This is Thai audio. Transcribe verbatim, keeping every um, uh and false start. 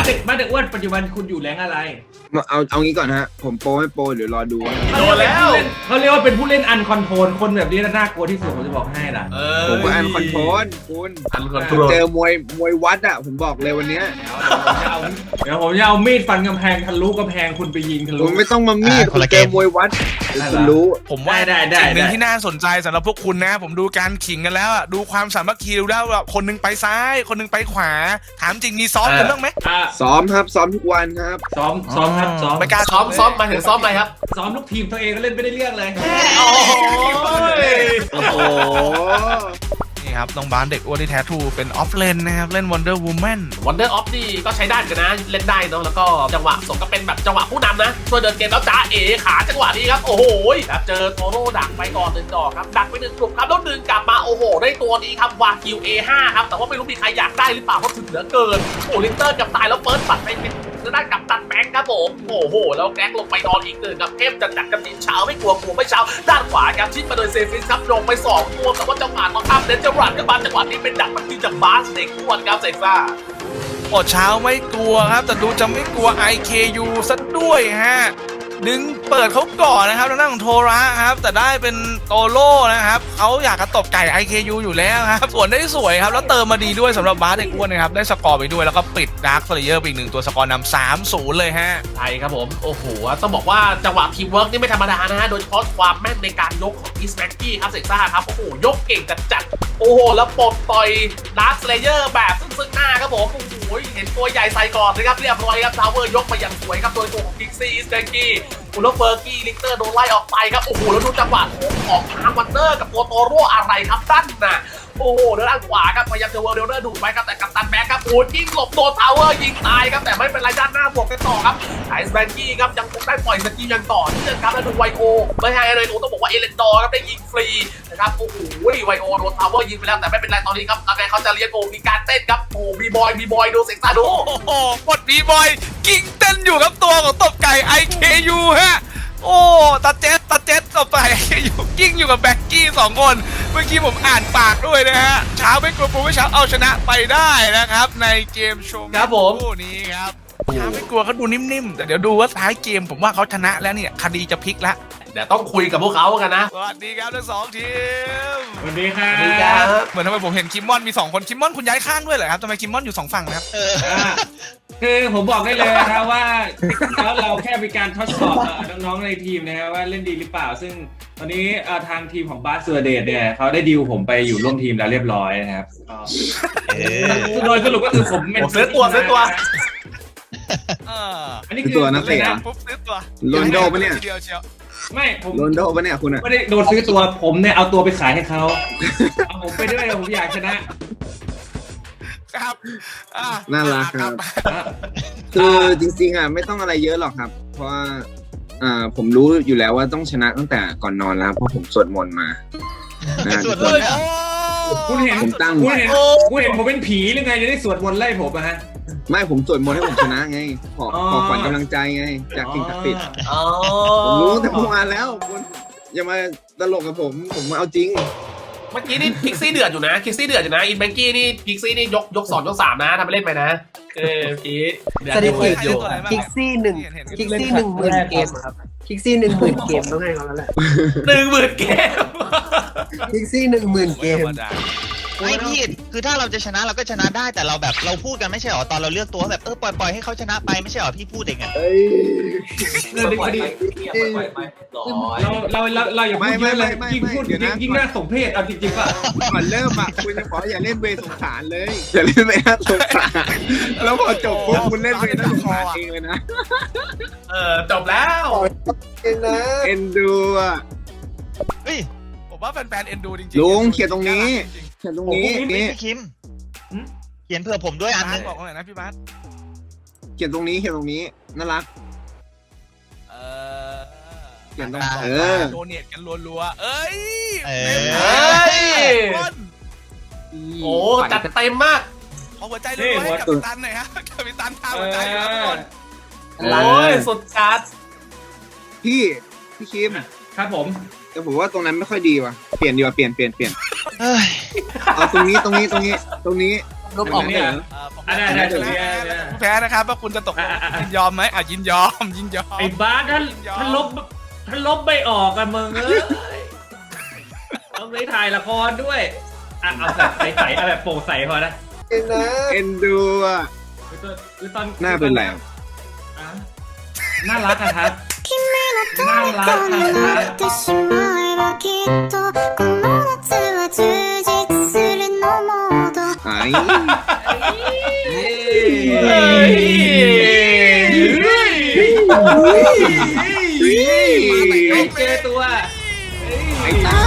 เด็กบ้านเด็กอ้วนปัจจุบันคุณอยู่แรงอะไรเอาเอางี้ก่อนฮะผมโปรไม่โปรหรือรอดูโดนแล้วเขาเรียกว่าเป็นผู้เล่นอันคอนโทรลคนแบบนี้น่ากลัวที่สุดผมจะบอกให้นะผมก็อันคอนโทรลคุณอันคอนโทรลเจอมวยมวยวัดอ่ะผมบอกเลยวันนี้เดี๋ยวผมจะเอามีดฟันกำแพงทะลุกำแพงคุณไปยิงทะลุผมไม่ต้องมามีดเจอมวยวัดคุณรู้ผมว่าได้ได้สิ่งหนึ่งที่น่าสนใจสำหรับพวกคุณนะผมดูการขิงกันแล้วอ่ะดูความสามัคคีดูแล้วคนนึงไปซ้ายคนนึงไปขวาถามจริงมีซ้อมกันบ้างไหมซ้อมครับซ้อมทุกวันครับซ้อมซ้อมครับซ้อมไม่กล้าซ้อมซ้อมมาถึงซ้อมไปครับซ้อมลูกทีมตัวเองก็เล่นไม่ได้เรื่องเลยโอ้โหนี่ครับน้องบ้านเด็กอ้วนที่แท้ทูเป็นออฟเลนนะครับเล่น Wonder Woman Wonder Off นี่ก็ใช้ได้กันนะเล่นได้เนาะแล้วก็จังหวะส่งก็เป็นแบบจังหวะผู้นำนะช่วยเดินเกมแล้วจ้าเอ๋ขาจังหวะนี้ครับโอ้โหแบบเจอโทโร่ดักไปก่อนหนึ่งดอกครับดักไปหนึ่งกลุ่มครับแล้วดึงกลับมาโอ้โหได้ตัวนี้ครับวากิว เอ ห้า ครับแต่ว่าไม่รู้มีใครอยากได้หรือเปล่าเพราะถึงเหลือเกินโอ้ลินเตอร์กับตายแล้วเฟิร์สบัตรไปเป็นด้านกับตันแบงค์ครับผมโอ้โหแล้วแกลลงไปนอนอีกหนึ่งกับเทพจัดจัดกับดินเช้าไม่กลัวกลัวไม่เช้าด้านขวาครับชิดมาโดยเซฟิสครับลงไปสองตัวแต่ว่าจังหวะต้องข้ามเดนเจอร์รันก็มาจังหวะนี้เป็นดักมันที่จากบาสเด็กอ้วนครับเซฟ่าอดเช้าไม่กลัวครับแต่ดูจะไม่กลัว ไอ เค ยู ซะด้วยฮะดึงเปิดเขาก่อนนะครับแล้วนั่งของโทระครับแต่ได้เป็นโตโร่นะครับเขาอยากกระตบไก่ ไอ เค ยู อยู่แล้วครับส่วนได้สวยครับแล้วเติมมาดีด้วยสำหรับบาสเด็กอ้วนนะครับได้สกอร์ไปด้วยแล้วก็ปิดดาร์คสเลเยอร์ไปอีกหนึ่งตัวสกอร์นำ สามศูนย์ เลยฮะใช่ครับผมโอ้โหต้องบอกว่าจังหวะทีมเวิร์กนี่ไม่ธรรมดานะฮะโดยเฉพาะความแม่นในการยกของอีสแม็กกี้ครับเซซ่าครับโอ้โหยกเก่งจัดจัดโอ้โหแล้วปลดต่อยดาร์คสเลเยอร์แบบซึ่งๆหน้าครับผมโอ้โหเห็นตัวใหญ่ใส่ก่อนนะครับเรียบร้อยครับทาวเวอร์ยกมาอย่างสวยครับโดยตัวของกิกซี่อีสแม็กกี้อุลเฟอร์กี้ลิกเตอร์โดนไล่ออกไปครับโอ้โหแล้วดูจังหวะของทางวันเดอร์กับตัวโตโร่อะไรครับด้านน่ะโอ้โหด้านขวาครับพยายามจะเวิร์ลเดอร์ดูดไปครับแต่กัปตันแบ็คครับโอ้ยิงหลบโดนทาวเวอร์ยิงตายครับแต่ไม่เป็นไรด้านหน้าบวกกันต่อครับไอซ์แบงกี้ครับยังคงได้ปล่อยสกิลยังต่อเนื่องครับแล้วดูไวโอไม่ใช่อะไรหนูต้องบอกว่าเอเลนดอร์ครับได้ยิงฟรีนะครับโอ้โหไวโอโดนทาวเวอร์ยิงไปแล้วแต่ไม่เป็นไรตอนนี้ครับแล้วเขาจะเรียกโกมีการเต้นครับโอ้บีบอยบีบอยดูเสียงซาดูโอ้โหกดบีบอยกิ้งเต้นอยู่ครับตัวของตบไก่ ไอ เค ยู ฮะโอ้ตาเจ็ดตาเจ็ดต่อไปอยู่กิ้งอยู่กับแบ็กกี้สองคนเมื่อกี้ผมอ่านปากด้วยนะฮะเช้าไม่กลัวโปรไม่เช้าเอาชนะไปได้นะครับในเกมโชว์ครับผมคู่นี้ครับเช้าไม่กลัวเขาดูนิ่มๆแต่เดี๋ยวดูว่าท้ายเกมผมว่าเขาชนะแล้วเนี่ยคดีจะพลิกละเดี๋ยวต้องคุยกับพวกเขากันนะสวัสดีครับทั้งสองทีมสวัสดีครับเหมือนทำไมผมเห็นคิมมอนมีสองคนคิมมอนคุณย้ายข้างด้วยเหรอครับทำไมคิมมอนอยู่สองฝั่งนะครับคือผมบอกได้เลยนะครับว่าแล้วเราแค่มีการทดสอบน้องๆในทีมนะครับว่าเล่นดีหรือเปล่าซึ่งตอนนี้ทางทีมของบาสเซอร์เดตเนี่ยเขาได้ดีลผมไปอยู่ร่วมทีมแล้วเรียบร้อยนะครับโดยสรุปก็คือผมเป็นซื้อตัวซื้อตัวอันนี้คือตัวนักเตะปุ๊บซื้อตัวโรนโดปะเนี่ยไม่ผมโรนโดปะเนี่ยคุณอะไม่ได้โดนซื้อตัวผมเนี่ยเอาตัวไปขายให้เขาเอาผมไปด้วยผมอยากชนะครับน่ารักครับคือจริงๆอ่ะไม่ต้องอะไรเยอะหรอกครับเพราะว่าอ่าผมรู้อยู่แล้วว่าต้องชนะตั้งแต่ก่อนนอนแล้วเพราะผมสวดมนต์มาสวดมนต์คุณเห็นผมตั้งคุณเห็นคุณเห็นผมเป็นผีหรือไงจะได้สวดมนต์ไล่ผมอะฮะไม่ผมสวดมนต์ให้ผมชนะไงขอขอขวัญกำลังใจไงจากสิ่งศักดิ์สิทธิ์ผมรู้แต่เมื่อวานแล้วคุณอย่ามาตลกกับผมผมมาเอาจริงเมื่อกี้นี่พิกซี่เดือดอยู่นะพิกซี่เดือดอยู่นะอินแบงกี้นี่พิกซี่นี่ยกยกสองยกสามนะทำไปเล่นไปนะเออเมื่อกี้สถิติอยู่พิกซี่หนึ่งพิกซี่หนึ่งหมื่นเกมครับพิกซี่หนึ่งหมื่นเกมต้องให้เขาแล้วแหละหนึ่งหมื่นเกมพิกซี่หนึ่งหมื่นเกมไม่ผิดคือถ้าเราจะชนะเราก็ชนะได้แต่เราแบบเราพูดกันไม่ใช่หรอตอนเราเลือกตัวแบบเออปล่อยปล่อยให้เขาชนะไปไม่ใช่หรอพี่พูดเองอ่ะเราเราเราเราอย่าพูดเยอะเลยยิ่งพูดยิ่งน่าสมเพชเอาจริงๆป่ะก่อนเริ่มอ่ะคุณจะบอกอย่าเล่นเวสงสารเลยอย่าเล่นเวน่าสงสารแล้วพอจบปุ๊บคุณเล่นเวน่าสงสารเองเลยนะเออจบแล้วเอ็นนะเอ็นดูอ่ะเฮ้ยผมว่าแฟนๆเอ็นดูจริงๆลุงเขียนตรงนี้เขียนตรงนี้นี่พี่คิมเขียนเผื่อผมด้วยอันนึงบอกหน่อยนะพี่บาสเขียนตรงนี้เขียนตรงนี้น่ารักเออเขียนตรงเออโดเนทกันรัวๆเอ้ยเอ้ยโอ้จัดเต็มมากขอหัวใจเลยให้กับตันหน่อยฮะกับตันทาหัวใจครับทุกคนโอ้ยสุดจัดพี่พี่คิมครับผมแต่ผมว่าตรงนั้นไม่ค่อยดีว่ะเปลี่ยนดีกว่าเปลี่ยนเปลี่ยนเปลี่ยนเอาตรงนี้ตรงนี้ตรงนี้ตรงนี้ลบออกเนี่ยผมอันนั้นอันนั้นถูกเนี่ยแพ้นะครับว่าคุณจะตกยินยอมไหมอ่ะยินยอมยินยอมไอ้บาสท่านท่านลบท่านลบไม่ออกอะมึงเอ้ยต้องไปถ่ายละครด้วยอ่ะเอาแบบใสๆเอาแบบโปร่งใสพอนะเองนะเอ็นดูอ่ะคือตอนคือตอนหน้าเป็นไรอ่ะน่ารักอะครับน่ารักอะครับไอ้เฮ้ยไอ้เจอตัวไอ้ตา